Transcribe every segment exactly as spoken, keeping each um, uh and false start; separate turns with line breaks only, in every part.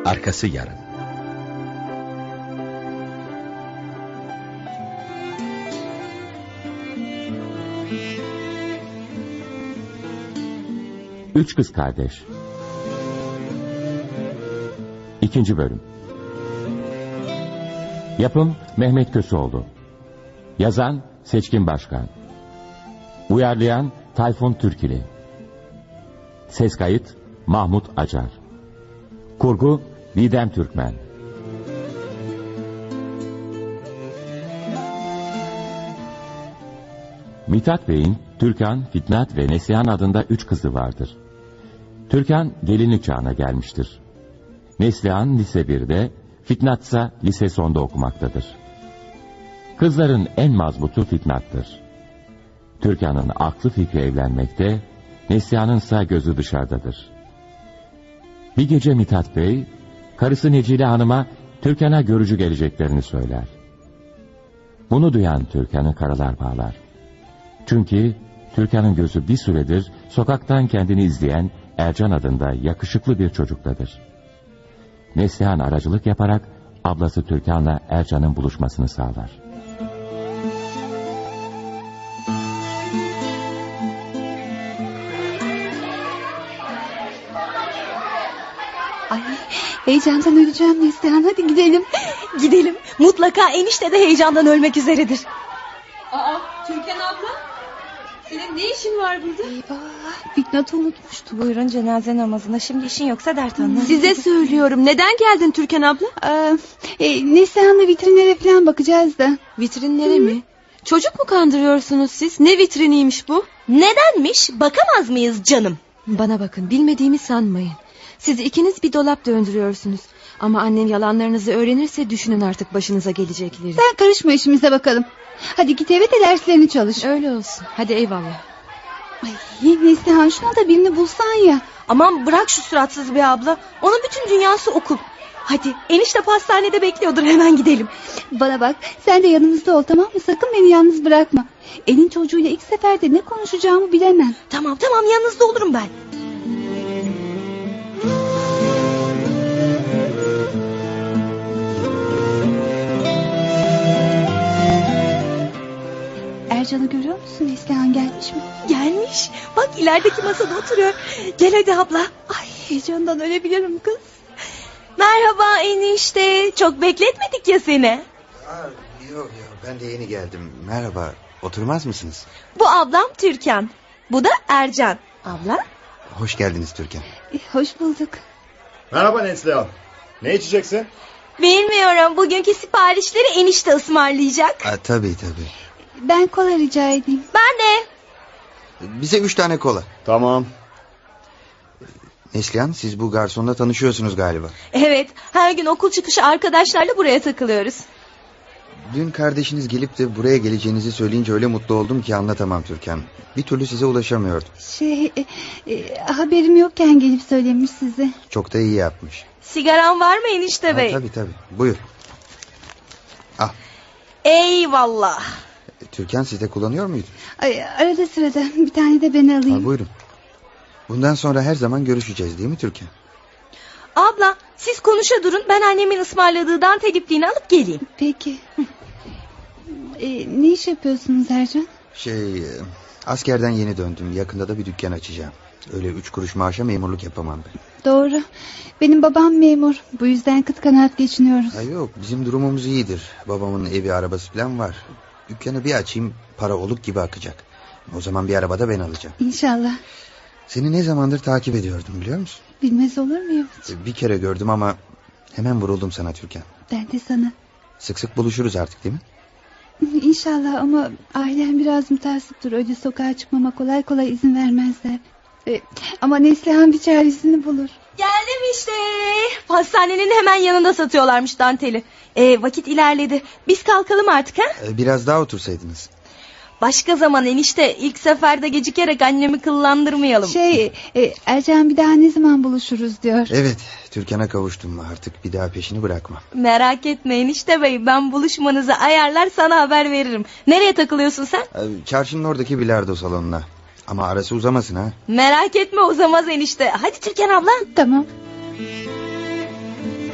Arkası yarın.
Üç Kız Kardeş. İkinci bölüm. Yapım Mehmet Köseoğlu. Yazan Seçkin Başkan. Uyarlayan Tayfun Türkili. Ses kayıt Mahmut Acar. Kurgu Didem Türkmen. Mithat Bey'in Türkan, Fitnat ve Neslihan adında üç kızı vardır. Türkan gelinlik çağına gelmiştir. Neslihan lise birde, Fitnat ise lise sonda okumaktadır. Kızların en mazbutu Fitnat'tır. Türkan'ın aklı fikri evlenmekte, Neslihan'ın ise gözü dışarıdadır. Bir gece Mithat Bey, karısı Necile Hanım'a Türkan'a görücü geleceklerini söyler. Bunu duyan Türkan'ı karalar bağlar. Çünkü Türkan'ın gözü bir süredir sokaktan kendini izleyen Ercan adında yakışıklı bir çocuktadır. Neslihan aracılık yaparak ablası Türkan'la Ercan'ın buluşmasını sağlar.
Ay, heyecandan öleceğim Neslihan, hadi gidelim.
Gidelim, mutlaka enişte de heyecandan ölmek üzeredir.
Aa, Türkan abla, senin ne işin var burada?
Eyvah, Fitnat'ı unutmuştum.
Buyurun cenaze namazına, şimdi işin yoksa dert anla.
Size söylüyorum, neden geldin Türkan abla?
Aa, e, Neslihan'la vitrinlere falan bakacağız da.
Vitrinlere Hı? mi? Çocuk mu kandırıyorsunuz siz? Ne vitriniymiş bu?
Nedenmiş, bakamaz mıyız canım?
Bana bakın, bilmediğimi sanmayın. Siz ikiniz bir dolap döndürüyorsunuz. Ama annem yalanlarınızı öğrenirse düşünün artık başınıza gelecekleri.
Sen karışma, işimize bakalım. Hadi git eve de derslerini çalış.
Öyle olsun, hadi eyvallah.
Ay Neslihan, şuna da birini bulsan ya.
Aman bırak şu suratsız bir abla. Onun bütün dünyası okul. Hadi enişte pastanede bekliyordur, hemen gidelim.
Bana bak, sen de yanımızda ol, tamam mı? Sakın beni yalnız bırakma. Elin çocuğuyla ilk seferde ne konuşacağımı bilemem.
Tamam tamam, yanınızda olurum ben.
Ercan'ı görüyor musun? Neslihan gelmiş mi?
Gelmiş. Bak ilerideki masada oturuyor. Gel hadi abla.
Ay, heyecandan ölebilirim kız.
Merhaba enişte. Çok bekletmedik ya seni.
Aa, yok yok, ben de yeni geldim. Merhaba, oturmaz mısınız?
Bu ablam Türkan. Bu da Ercan. Abla.
Hoş geldiniz Türkan.
E, hoş bulduk.
Merhaba Neslihan. Ne içeceksin?
Bilmiyorum, bugünkü siparişleri enişte ısmarlayacak.
Aa, tabii tabii.
Ben kola rica edeyim.
Ben de.
Bize üç tane kola.
Tamam.
Neslihan, siz bu garsonla tanışıyorsunuz galiba.
Evet, her gün okul çıkışı arkadaşlarla buraya takılıyoruz.
Dün kardeşiniz gelip de buraya geleceğinizi söyleyince öyle mutlu oldum ki anlatamam Türkan. Bir türlü size ulaşamıyordum.
Şey e, e, haberim yokken gelip söylemiş size.
Çok da iyi yapmış.
Sigaran var mı enişte bey?
Ha, tabii tabii, buyur. Al.
Eyvallah.
Türkan, siz de kullanıyor muydun?
Ay, arada sırada bir tane de ben alayım.
Ha, buyurun. Bundan sonra her zaman görüşeceğiz değil mi Türkan?
Abla siz konuşa durun, ben annemin ısmarladığı dantel ipliğini alıp geleyim.
Peki. e, ne iş yapıyorsunuz Ercan?
Şey, askerden yeni döndüm. Yakında da bir dükkan açacağım. Öyle üç kuruş maaşa memurluk yapamam ben.
Doğru. Benim babam memur. Bu yüzden kıt kanaat geçiniyoruz.
Ha, yok, bizim durumumuz iyidir. Babamın evi, arabası falan var. Dükkanı bir açayım, para oluk gibi akacak. O zaman bir araba da ben alacağım.
İnşallah.
Seni ne zamandır takip ediyordum biliyor musun?
Bilmez olur muyum?
Bir kere gördüm ama hemen vuruldum sana Türkan.
Ben de sana.
Sık sık buluşuruz artık değil mi?
İnşallah, ama ailem biraz mutasiptir. Öyle sokağa çıkmama kolay kolay izin vermezler. Ee, ama Neslihan bir çaresini bulur.
Geldim işte. Pastanenin hemen yanında satıyorlarmış danteli. Ee, vakit ilerledi. Biz kalkalım artık ha?
Biraz daha otursaydınız.
Başka zaman enişte, ilk seferde gecikerek annemi kıllandırmayalım.
Şey e, Ercan bir daha ne zaman buluşuruz diyor.
Evet, Türkan'a kavuştum, artık bir daha peşini bırakmam.
Merak etme enişte bey, ben buluşmanızı ayarlar sana haber veririm. Nereye takılıyorsun sen?
Çarşının oradaki bilardo salonuna. Ama arası uzamasın ha.
Merak etme, uzamaz enişte. Hadi Türkan abla.
Tamam.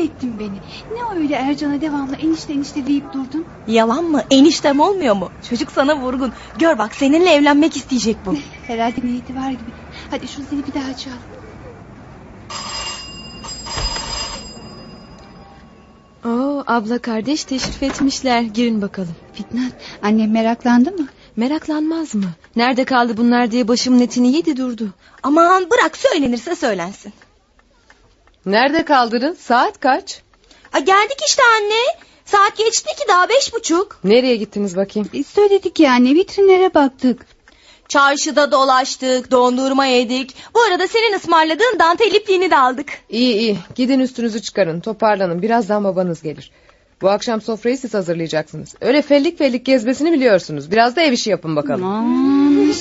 ettin beni. Ne öyle Ercan'a devamlı enişte enişte deyip durdun?
Yalan mı? Eniştem olmuyor mu? Çocuk sana vurgun. Gör bak, seninle evlenmek isteyecek bu.
Herhalde niyeti var gibi. Hadi şu zili bir daha çal.
Oo, abla kardeş teşrif etmişler. Girin bakalım.
Fitnat, annem meraklandı mı?
Meraklanmaz mı? Nerede kaldı bunlar diye başımın etini yedi durdu.
Aman bırak, söylenirse söylensin.
Nerede kaldınız? Saat kaç?
A, geldik işte anne. Saat geçti ki, daha beş buçuk.
Nereye gittiniz bakayım?
Biz söyledik yani, vitrinlere baktık.
Çarşıda dolaştık, dondurma yedik. Bu arada senin ısmarladığın dantel ipliğini de aldık.
İyi iyi, gidin üstünüzü çıkarın, toparlanın. Birazdan babanız gelir. Bu akşam sofrayı siz hazırlayacaksınız. Öyle fellik fellik gezmesini biliyorsunuz. Biraz da ev işi yapın bakalım.
Aman.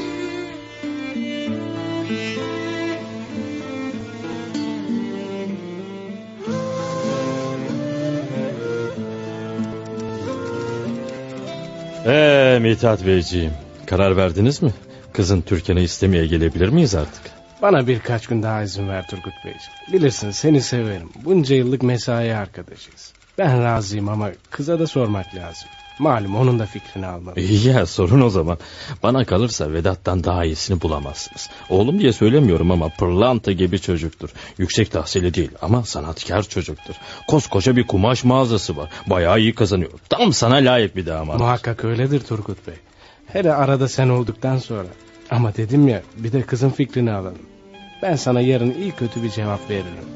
Eee Mithat Beyciğim, karar verdiniz mi? Kızın Türkan'ı istemeye gelebilir miyiz artık?
Bana birkaç gün daha izin ver Turgut Beyciğim. Bilirsin, seni severim. Bunca yıllık mesai arkadaşıyız. Ben razıyım ama kıza da sormak lazım. Malum onun da fikrini almalı.
İyi ya, sorun o zaman. Bana kalırsa Vedat'tan daha iyisini bulamazsınız. Oğlum diye söylemiyorum ama pırlanta gibi çocuktur. Yüksek tahsili değil ama sanatkar çocuktur. Koskoca bir kumaş mağazası var. Bayağı iyi kazanıyor. Tam sana layık bir damat.
Muhakkak öyledir Turgut Bey. Hele arada sen olduktan sonra. Ama dedim ya, bir de kızın fikrini alalım. Ben sana yarın iyi kötü bir cevap veririm.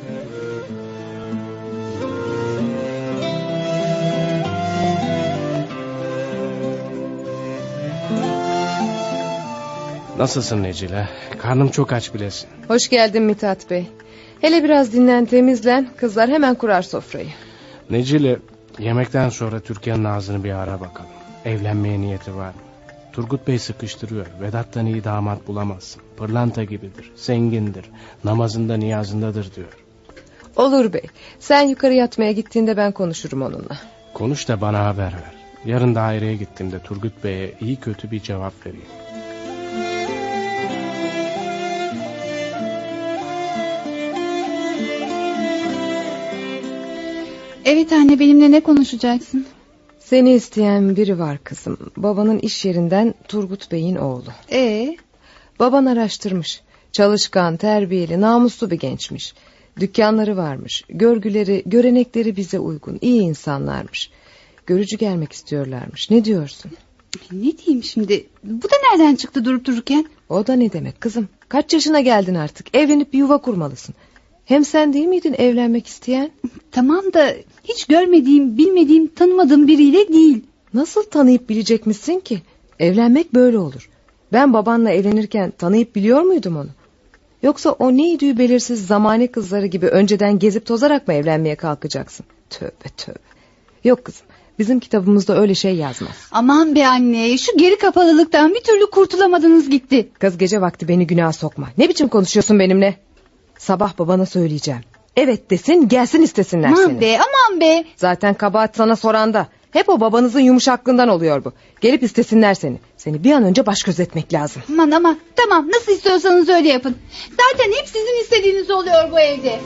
Nasılsın Necile? Karnım çok aç bilesin.
Hoş geldin Mithat Bey. Hele biraz dinlen, temizlen. Kızlar hemen kurar sofrayı.
Necile, yemekten sonra Türkan'ın ağzını bir ara bakalım. Evlenmeye niyeti var mı? Turgut Bey sıkıştırıyor. Vedat'tan iyi damat bulamazsın. Pırlanta gibidir, zengindir, namazında niyazındadır diyor.
Olur bey. Sen yukarı yatmaya gittiğinde ben konuşurum onunla.
Konuş da bana haber ver. Yarın daireye gittiğimde Turgut Bey'e iyi kötü bir cevap vereyim.
Evet anne, benimle ne konuşacaksın?
Seni isteyen biri var kızım. Babanın iş yerinden Turgut Bey'in oğlu.
Ee?
Baban araştırmış. Çalışkan, terbiyeli, namuslu bir gençmiş. Dükkanları varmış. Görgüleri, görenekleri bize uygun. İyi insanlarmış. Görücü gelmek istiyorlarmış. Ne diyorsun?
Ne diyeyim şimdi? Bu da nereden çıktı durup dururken?
O da ne demek kızım? Kaç yaşına geldin artık? Evlenip bir yuva kurmalısın. Hem sen değil miydin evlenmek isteyen?
Tamam da hiç görmediğim, bilmediğim, tanımadığım biriyle değil.
Nasıl tanıyıp bilecekmişsin ki? Evlenmek böyle olur. Ben babanla evlenirken tanıyıp biliyor muydum onu? Yoksa o neydi belirsiz zamane kızları gibi önceden gezip tozarak mı evlenmeye kalkacaksın? Tövbe tövbe. Yok kızım, bizim kitabımızda öyle şey yazmaz.
Aman be anne, şu geri kapalılıktan bir türlü kurtulamadınız gitti.
Kız, gece vakti beni günaha sokma. Ne biçim konuşuyorsun benimle? Sabah babana söyleyeceğim. Evet desin, gelsin istesinler
aman
seni.
Aman be, aman be.
Zaten kabahat sana soranda. Hep o babanızın yumuşaklığından oluyor bu. Gelip istesinler seni. Seni bir an önce baş gözetmek lazım.
Aman ama tamam, nasıl istiyorsanız öyle yapın. Zaten hep sizin istediğiniz oluyor bu evde.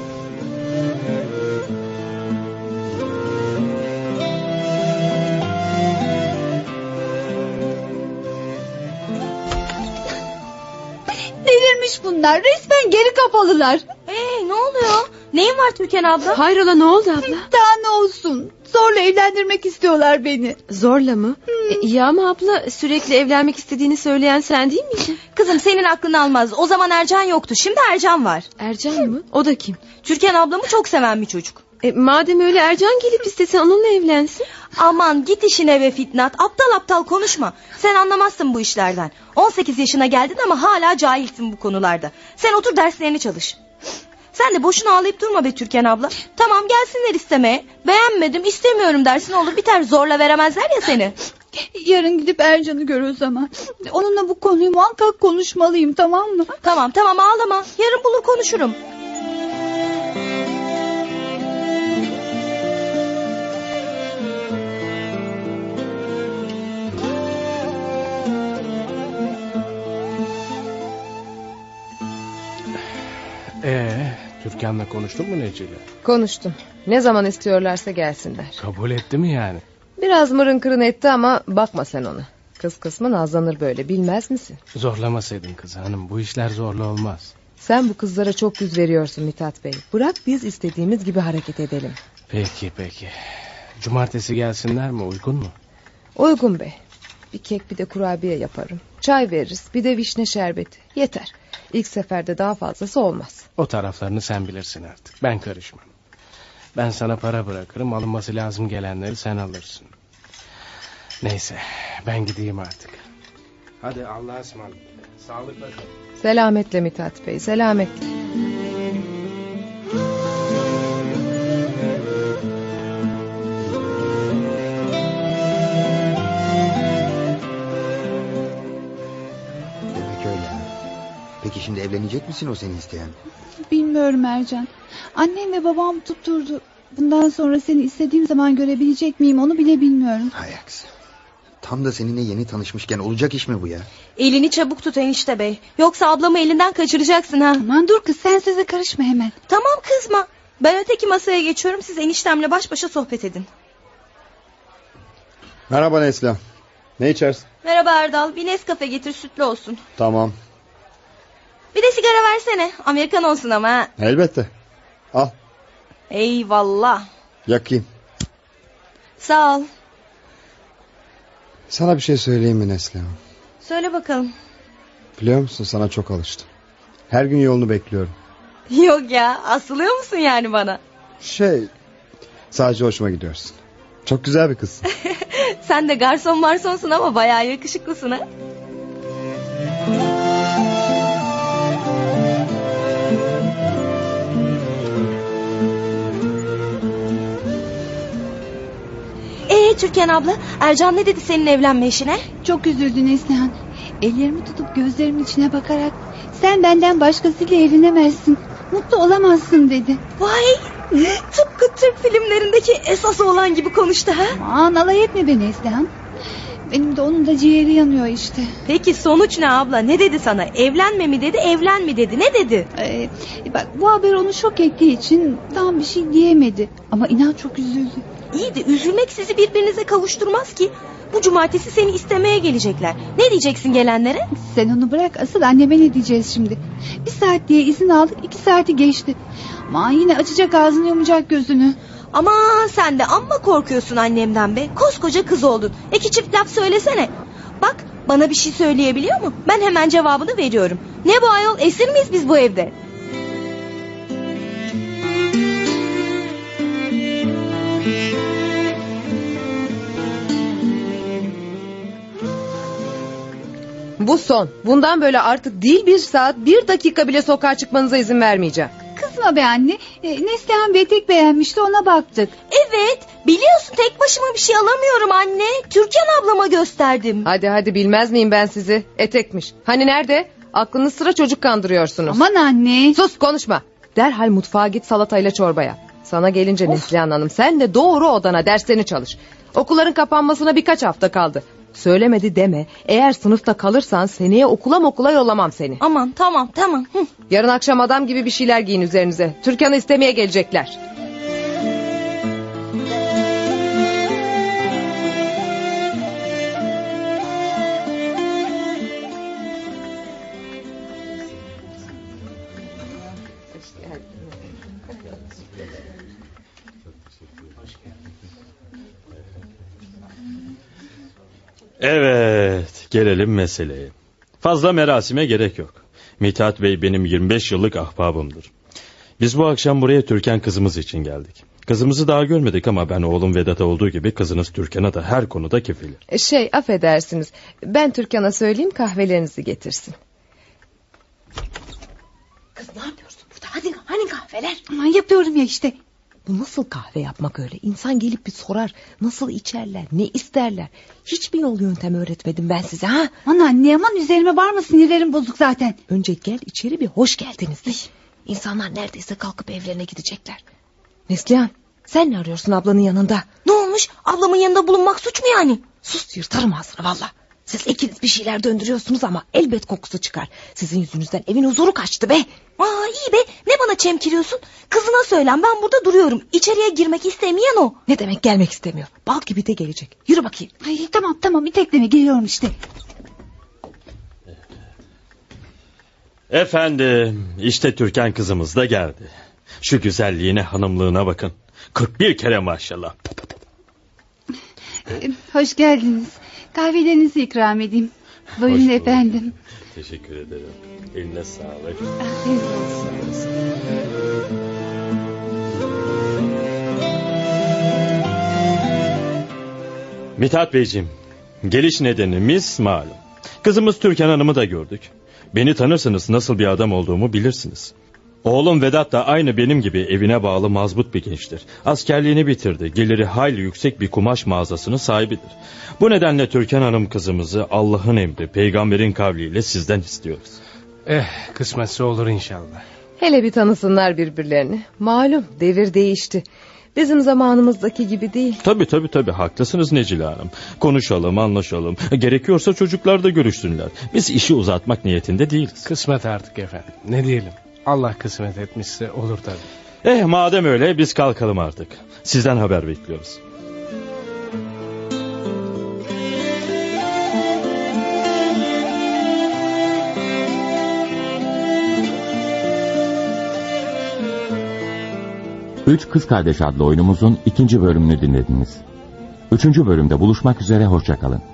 Delirmiş bunlar, resmen geri kapalılar.
Ee, ne oluyor? Neyin var Türkan abla?
Hayrola, ne oldu abla?
Daha ne olsun, zorla evlendirmek istiyorlar beni.
Zorla mı? Hmm. E, iyi ama abla, sürekli evlenmek istediğini söyleyen sen değil miydin?
Kızım, senin aklın almaz. O zaman Ercan yoktu, şimdi Ercan var.
Ercan mı? O da kim?
Türkan ablamı çok seven bir çocuk.
E, madem öyle, Ercan gelip istese onunla evlensin.
Aman git işine be Fitnat. Aptal aptal konuşma. Sen anlamazsın bu işlerden. on sekiz yaşına geldin ama hala cahilsin bu konularda. Sen otur, derslerini çalış. Sen de boşuna ağlayıp durma be Türkan abla. Tamam, gelsinler istemeye. Beğenmedim, istemiyorum dersin, olur biter. Zorla veremezler ya seni.
Yarın gidip Ercan'ı gör o zaman. Onunla bu konuyu muhakkak konuşmalıyım, tamam mı?
Tamam tamam, ağlama. Yarın bulur konuşurum.
Ee, Türkan'la konuştun mu Necile?
Konuştum. Ne zaman istiyorlarsa gelsinler.
Kabul etti mi yani?
Biraz mırın kırın etti ama bakma sen ona. Kız kısmı nazlanır böyle, bilmez misin?
Zorlamasaydın kız hanım, bu işler zorlu olmaz.
Sen bu kızlara çok yüz veriyorsun Mithat Bey. Bırak biz istediğimiz gibi hareket edelim.
Peki peki. Cumartesi gelsinler mi, uygun mu?
Uygun bey. Bir kek bir de kurabiye yaparım. Çay veririz, bir de vişne şerbeti. Yeter. İlk seferde daha fazlası olmaz.
O taraflarını sen bilirsin artık, ben karışmam. Ben sana para bırakırım, alınması lazım gelenleri sen alırsın. Neyse, ben gideyim artık. Hadi Allah'a ısmarladık. Sağlıkla kal.
Selametle Mithat Bey, selametle.
Demek öyle ha. Peki şimdi evlenecek misin o seni isteyen?
Bilmiyorum Ercan. Annem ve babam tutturdu. Bundan sonra seni istediğim zaman görebilecek miyim onu bile bilmiyorum.
Hay aksi. Tam da seninle yeni tanışmışken olacak iş mi bu ya?
Elini çabuk tut enişte bey. Yoksa ablamı elinden kaçıracaksın ha.
Aman dur kız, sen söze karışma hemen.
Tamam kızma. Ben öteki masaya geçiyorum, siz eniştemle baş başa sohbet edin.
Merhaba Neslihan. Ne içersin?
Merhaba Erdal, bir Nescafe getir, sütlü olsun.
Tamam.
Bir de sigara versene, Amerikan olsun ama ha.
Elbette. Al.
Eyvallah.
Yakayım.
Sağ ol.
Sana bir şey söyleyeyim mi Neslihan?
Söyle bakalım.
Biliyor musun, sana çok alıştım. Her gün yolunu bekliyorum.
Yok ya, asılıyor musun yani bana?
Şey, sadece hoşuma gidiyorsun. Çok güzel bir kızsın.
Sen de garson marsonsun ama bayağı yakışıklısın ha. Ee Türkan abla, Ercan ne dedi senin evlenme işine?
Çok üzüldü Neslihan. Ellerimi tutup gözlerimin içine bakarak sen benden başkasıyla evlenemezsin, mutlu olamazsın dedi.
Vay, tıpkı Türk filmlerindeki esas olan gibi konuştu ha.
Aman alay etme be Neslihan. Benim de onun da ciğeri yanıyor işte.
Peki sonuç ne abla, ne dedi sana? Evlenme mi dedi, evlen mi dedi, ne dedi?
Ee, bak bu haber onu şok ettiği için tam bir şey diyemedi. Ama inan çok üzüldü.
İyi de üzülmek sizi birbirinize kavuşturmaz ki. Bu cumartesi seni istemeye gelecekler. Ne diyeceksin gelenlere?
Sen onu bırak, asıl anneme ne diyeceğiz şimdi? Bir saat diye izin aldık, iki saati geçti. Ama yine açacak ağzını, yumacak gözünü.
Ama sen de amma korkuyorsun annemden be. Koskoca kız oldun. İki çift laf söylesene. Bak bana bir şey söyleyebiliyor mu? Ben hemen cevabını veriyorum. Ne bu ayol, esir miyiz biz bu evde?
Bu son. Bundan böyle artık değil bir saat, bir dakika bile sokağa çıkmanıza izin vermeyeceğim.
Kızma be anne. E, Neslihan Bey tek beğenmişti, ona baktık.
Evet, biliyorsun tek başıma bir şey alamıyorum anne. Türkan ablama gösterdim.
Hadi hadi, bilmez miyim ben sizi? Etekmiş. Hani nerede? Aklınız sıra çocuk kandırıyorsunuz.
Aman anne.
Sus, konuşma. Derhal mutfağa git, salatayla çorbaya. Sana gelince Neslihan Hanım, sen de doğru odana, derslerini çalış. Okulların kapanmasına birkaç hafta kaldı. Söylemedi deme. Eğer sınıfta kalırsan seneye okula okula yollamam seni.
Aman tamam tamam. Hı.
Yarın akşam adam gibi bir şeyler giyin üzerinize. Türkan'ı istemeye gelecekler.
Evet, gelelim meseleye. Fazla merasime gerek yok. Mithat Bey benim yirmi beş yıllık ahbabımdır. Biz bu akşam buraya Türkan kızımız için geldik. Kızımızı daha görmedik ama ben oğlum Vedat'a olduğu gibi kızınız Türkan'a da her konuda kefilim.
Şey, affedersiniz. Ben Türkan'a söyleyeyim, kahvelerinizi getirsin.
Kız ne yapıyorsun burada? Hadi hani kahveler?
Aman yapıyorum ya işte.
Bu nasıl kahve yapmak öyle? İnsan gelip bir sorar. Nasıl içerler, ne isterler? Hiç mi yol yöntem öğretmedim ben size ha?
Aman anne, aman üzerime varma, sinirlerim bozuk zaten.
Önce gel içeri, bir hoş geldiniz de. İnsanlar neredeyse kalkıp evlerine gidecekler. Neslihan, sen ne arıyorsun ablanın yanında?
Ne olmuş? Ablamın yanında bulunmak suç mu yani?
Sus, yırtarım ağzını valla. Siz ikiniz bir şeyler döndürüyorsunuz ama elbet kokusu çıkar. Sizin yüzünüzden evin huzuru kaçtı be.
Aa iyi be, ne bana çemkiriyorsun? Kızına söylen, ben burada duruyorum. İçeriye girmek istemeyen o.
Ne demek gelmek istemiyor? Bal gibi de gelecek. Yürü bakayım.
Ay tamam tamam, itekleme, geliyorum işte.
Efendim, işte Türkan kızımız da geldi. Şu güzelliğine, hanımlığına bakın. kırk bir kere maşallah.
Ee, hoş geldiniz. Kahvelerinizi ikram edeyim. Buyurun efendim.
Teşekkür ederim. Eline sağlık.
Afiyet olsun.
Mithat Beyciğim, geliş nedenimiz malum. Kızımız Türkan Hanım'ı da gördük. Beni tanırsınız, nasıl bir adam olduğumu bilirsiniz. Oğlum Vedat da aynı benim gibi evine bağlı mazbut bir gençtir. Askerliğini bitirdi. Geliri hayli yüksek bir kumaş mağazasının sahibidir. Bu nedenle Türkan Hanım kızımızı Allah'ın emri, peygamberin kavliyle sizden istiyoruz.
Eh, kısmetse olur inşallah.
Hele bir tanısınlar birbirlerini. Malum devir değişti. Bizim zamanımızdaki gibi değil.
Tabii tabii tabii, haklısınız Necile Hanım. Konuşalım, anlaşalım. Gerekiyorsa çocuklar da görüşsünler. Biz işi uzatmak niyetinde değiliz.
Kısmet artık efendim. Ne diyelim? Allah kısmet etmişse olur tabii.
Eh madem öyle biz kalkalım artık. Sizden haber bekliyoruz.
Üç Kız Kardeş adlı oyunumuzun ikinci bölümünü dinlediniz. Üçüncü bölümde buluşmak üzere, hoşça kalın.